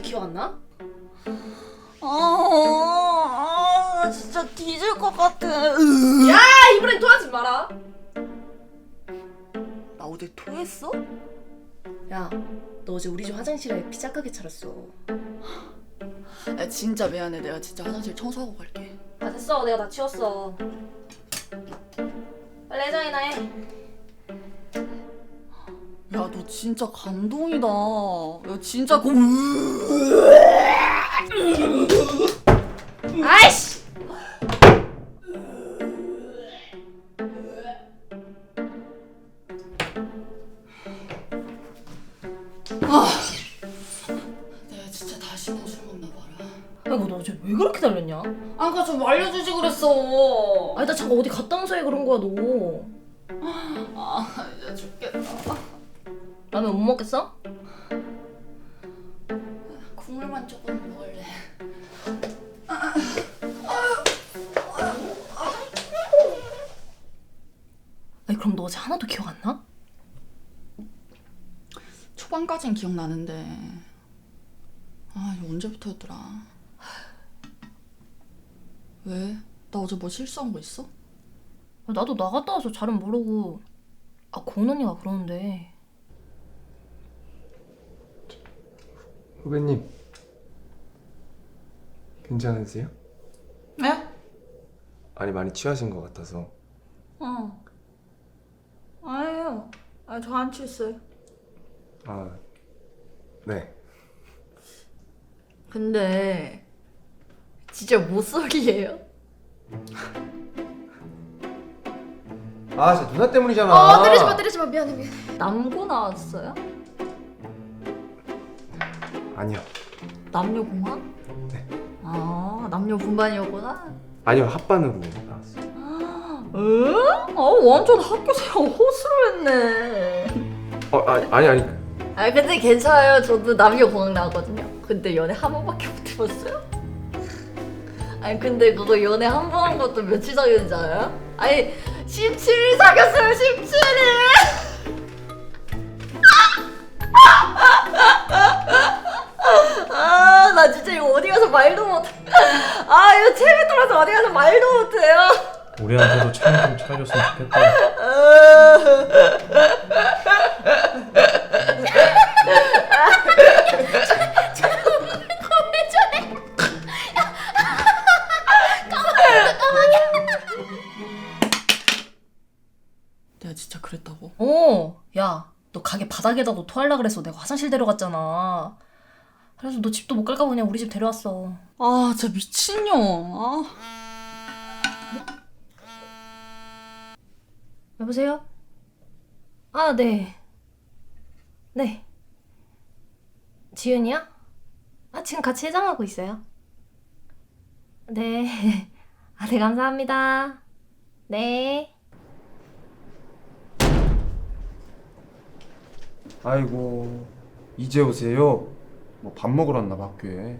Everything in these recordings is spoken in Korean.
기억 안 나? 진짜 뒤질 것 같아. 야, 이번엔 토하지 마라. 나 어제 토했어? 야, 너 어제 우리 집 화장실에 피자 가게 차렸어. 야, 진짜 미안해. 내가 진짜 화장실 청소하고 갈게. 아, 됐어. 내가 다 치웠어. 빨리 해장이나 해. 야, 너 진짜 감동이다. 야, 진짜 아이씨! 내가 진짜 다시는 술 먹나 봐라. 아이고, 너 어제 왜 그렇게 달렸냐? 아까 좀 알려주지 그랬어. 아니, 나 잠깐 어디 갔다 온 사이에 그런 거야, 너. 이제 죽겠다. 라면 못 먹겠어? 국물만 조금 먹을래. 아니, 그럼 너 어제 하나도 기억 안 나? 초반까진 기억나는데 이거 언제부터였더라. 왜? 나 어제 뭐 실수한 거 있어? 나도 나갔다 와서 잘은 모르고. 아, 고은 언니가 그러는데. 후배님, 괜찮으세요? 네? 아니 많이 취하신 것 같아서. 아니에요. 저 안 취했어요. 아, 네. 근데 진짜 모쏠이에요? 아, 진짜 누나 때문이잖아. 때리지 마. 미안해. 남고 나왔어요? 아니요. 남녀공학? 네. 남녀 분반이었구나. 아니요, 합반으로 나왔어요. 응? 완전 학교생활 호수로 했네. 아니. 근데 괜찮아요. 저도 남녀공학 나왔거든요. 근데 연애 한 번밖에 못 해봤어요? 근데 그거 연애 한 번 한 것도 며칠 사귀었는지 알아요? 17일 사귀었어요. 17일. 나 진짜 이거 어디 가서 말도 못해. 이거 체면 떨어서 어디 가서 말도 못해요. 우리한테도 차좀 차려줬으면 좋겠다. 내가 진짜 그랬다고? 야, 너 가게 바닥에다 너 토하려 그래서 내가 화장실 데려갔잖아. 그래서 너 집도 못 갈까 봐 그냥 우리 집 데려왔어. 진짜 미친년. 여보세요? 네. 네. 지윤이야? 지금 같이 해장하고 있어요. 네. 네, 감사합니다. 네. 아이고, 이제 오세요. 뭐 밥 먹으러 왔나 봐, 학교에.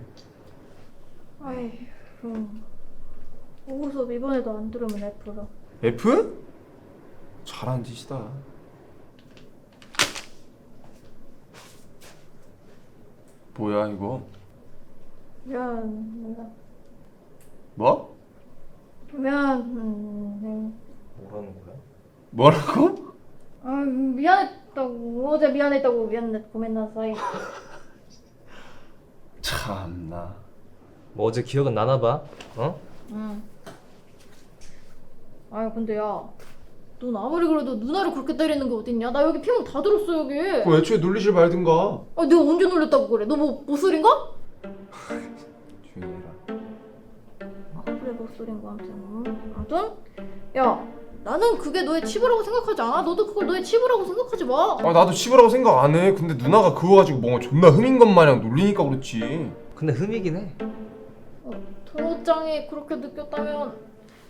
오후 수업 이번에도 안 들으면 F라. F? 잘한 짓이다. 뭐야 이거? 미안. 뭐? 미안. 뭐라는 거야? 뭐라고? 미안했다고. 어제 미안했다고. 미안해. 고민나사이. 참나. 뭐 어제 기억은 나나 봐. 어? 응. 근데 야, 넌 아무리 그래도 누나를 그렇게 때리는 게 어딨냐? 나 여기 피멍 다 들었어 여기. 그 애초에 놀리질 말든가. 내가 언제 놀렸다고 그래? 너 뭐 모쏠인가? 조용히 해라. 그래 모쏠인 거 아무튼. 야, 나는 그게 너의 치부라고 생각하지 않아? 너도 그걸 너의 치부라고 생각하지 마. 나도 치부라고 생각 안 해. 근데 누나가 그거 가지고 뭔가 존나 흠인 것 마냥 놀리니까 그렇지. 근데 흠이긴 해. 도로장이 그렇게 느꼈다면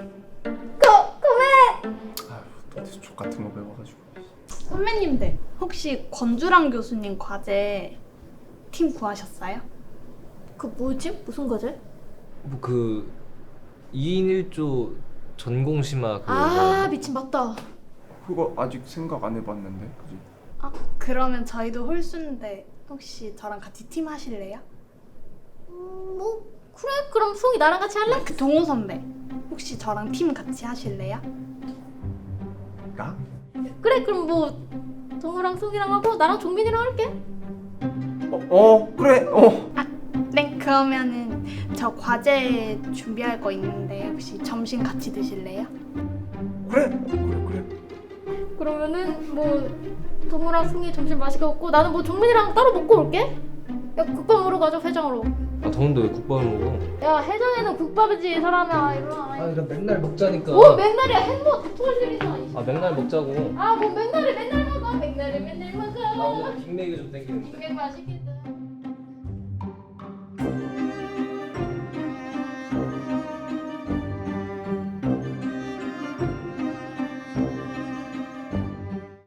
너한테 족 같은 거 배워가지고. 선배님들 혹시 권주랑 교수님 과제 팀 구하셨어요? 그 뭐지? 무슨 과제? 뭐 그 2인 1조 전공심화 미친 맞다. 그거 아직 생각 안 해봤는데, 그지? 그러면 저희도 홀수인데 혹시 저랑 같이 팀 하실래요? 뭐 그래 그럼 송이 나랑 같이 할래? 그 동호 선배 혹시 저랑 팀 같이 하실래요? 나? 그래 그럼 뭐 동우랑 송이랑 하고 나랑 종민이랑 할게. 그래. 네, 그러면은 저 과제 준비할 거 있는데 혹시 점심 같이 드실래요? 그래. 그러면은 뭐 동우랑 송이 점심 맛있게 먹고 나는 뭐 종민이랑 따로 먹고 올게. 야 국밥 먹으러 가자 회장으로. 아 더운데 왜 국밥을 먹어? 야 해장에는 국밥이지 사람아 일어나. 아 이거 맨날 먹자니까. 뭐 맨날이야 햄버거 다투할 일이잖아. 아 맨날 먹자고. 아뭐 맨날 먹어. 맨날 먹어. 나 오늘 빅맥이 좀 땡기는데. 빅맥 맛있겠다.